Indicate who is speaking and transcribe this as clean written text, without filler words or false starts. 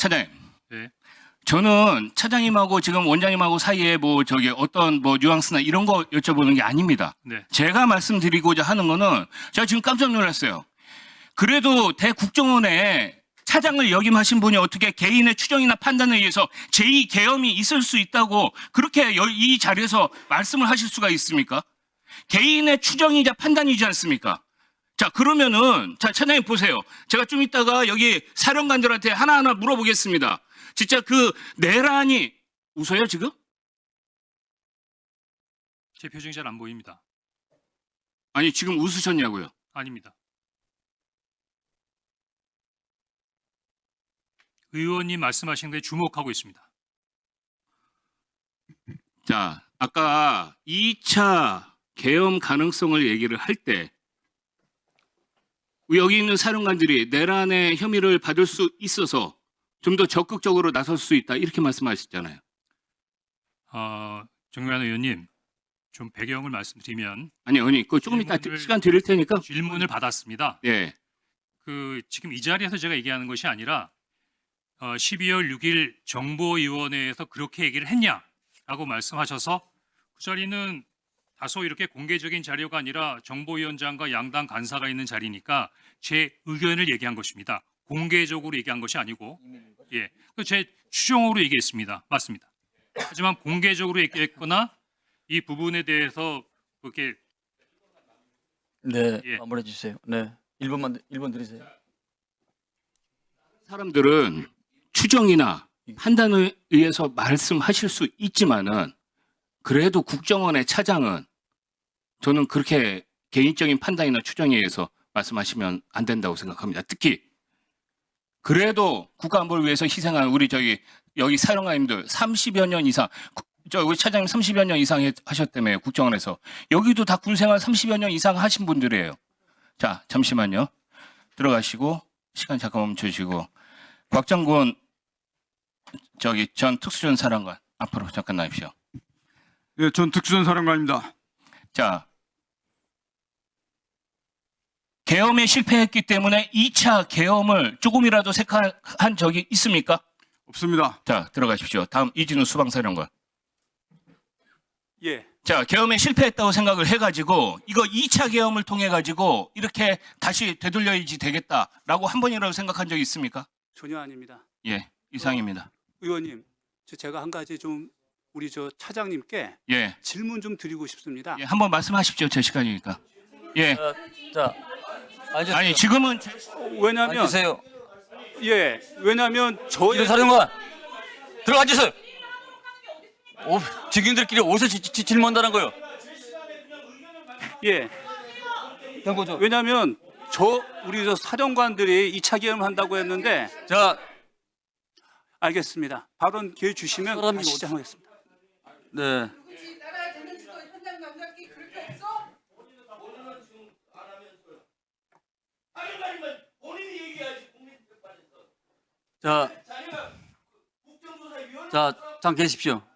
Speaker 1: 차장님.
Speaker 2: 네.
Speaker 1: 저는 차장님하고 지금 원장님하고 사이에 뭐 저기 어떤 뭐 뉘앙스나 이런 거 여쭤보는 게 아닙니다.
Speaker 2: 네.
Speaker 1: 제가 말씀드리고자 하는 거는 제가 지금 깜짝 놀랐어요. 그래도 대국정원에 차장을 역임하신 분이 어떻게 개인의 추정이나 판단에 의해서 제2 계엄이 있을 수 있다고 그렇게 이 자리에서 말씀을 하실 수가 있습니까? 개인의 추정이자 판단이지 않습니까? 자, 그러면은, 자, 차장님 보세요. 제가 좀 이따가 여기 사령관들한테 하나하나 물어보겠습니다. 진짜 그 내란이, 웃어요, 지금?
Speaker 2: 제 표정이 잘 안 보입니다.
Speaker 1: 아니, 지금 웃으셨냐고요?
Speaker 2: 아닙니다. 의원님 말씀하신 데 주목하고 있습니다.
Speaker 1: 자, 아까 2차 계엄 가능성을 얘기를 할 때, 여기 있는 사령관들이 내란의 혐의를 받을 수 있어서 좀 더 적극적으로 나설 수 있다 이렇게 말씀하셨잖아요.
Speaker 2: 정유한 의원님, 좀 배경을 말씀드리면
Speaker 1: 아니, 그 조금 이따
Speaker 2: 질문을-
Speaker 1: 시간 드릴 테니까.
Speaker 2: 질문을 받았습니다.
Speaker 1: 예,
Speaker 2: 지금 이 자리에서 제가 얘기하는 것이 아니라 12월 6일 정보위원회에서 그렇게 얘기를 했냐라고 말씀하셔서 그 자리는 다소 이렇게 공개적인 자료가 아니라 정보위원장과 양당 간사가 있는 자리니까 제 의견을 얘기한 것입니다. 공개적으로 얘기한 것이 아니고, 예, 제 추정으로 얘기했습니다. 맞습니다. 하지만 공개적으로 얘기했거나 이 부분에 대해서 그렇게
Speaker 3: 네,
Speaker 2: 예.
Speaker 3: 마무리해 주세요. 네, 1분 드리세요.
Speaker 1: 사람들은 추정이나 판단에 의해서 말씀하실 수 있지만은 그래도 국정원의 차장은 저는 그렇게 개인적인 판단이나 추정에 의해서 말씀하시면 안 된다고 생각합니다. 특히 그래도 국가안보를 위해서 희생한 우리 여기 사령관님들 30여 년 이상 우리 차장님 30여 년 이상 하셨다며요. 국정원에서. 여기도 다 군생활 30여 년 이상 하신 분들이에요. 자, 잠시만요. 들어가시고 시간 잠깐 멈춰주시고 곽정곤 전 특수전 사령관 앞으로 잠깐 나십시오.
Speaker 4: 예, 전 특수전 사령관입니다.
Speaker 1: 자, 계엄에 실패했기 때문에 2차 계엄을 조금이라도 색한 적이 있습니까?
Speaker 4: 없습니다.
Speaker 1: 자, 들어가십시오. 다음 이진우 수방사령관.
Speaker 4: 예.
Speaker 1: 자, 계엄에 실패했다고 생각을 해가지고 이거 2차 계엄을 통해 가지고 이렇게 다시 되돌려야지 되겠다라고 한 번이라도 생각한 적이 있습니까?
Speaker 5: 전혀 아닙니다.
Speaker 1: 예, 이상입니다.
Speaker 5: 의원님, 제가 한 가지 좀 우리 차장님께
Speaker 1: 예,
Speaker 5: 질문 좀 드리고 싶습니다.
Speaker 1: 예, 한번 말씀하십시오. 제 시간이니까. 예,
Speaker 3: 자, 앉으세요.
Speaker 1: 아니 지금은
Speaker 5: 왜냐하면
Speaker 3: 앉으세요.
Speaker 5: 예, 왜냐하면
Speaker 3: 이준 사령관 들어가 앉으세요. 직위원들끼리 어디서 질문한다는 거요?
Speaker 5: 예,
Speaker 3: 경고죠.
Speaker 5: 왜냐하면 우리 사령관들이 2차 계엄을 한다고 했는데
Speaker 3: 자,
Speaker 5: 알겠습니다. 발언 기회 주시면
Speaker 3: 사람이
Speaker 5: 다시 시작하겠습니다.
Speaker 3: 네.
Speaker 6: 굳이 나라의 장난치고 현장 감각이 그렇게 없어?
Speaker 3: 자, 잠 계십시오.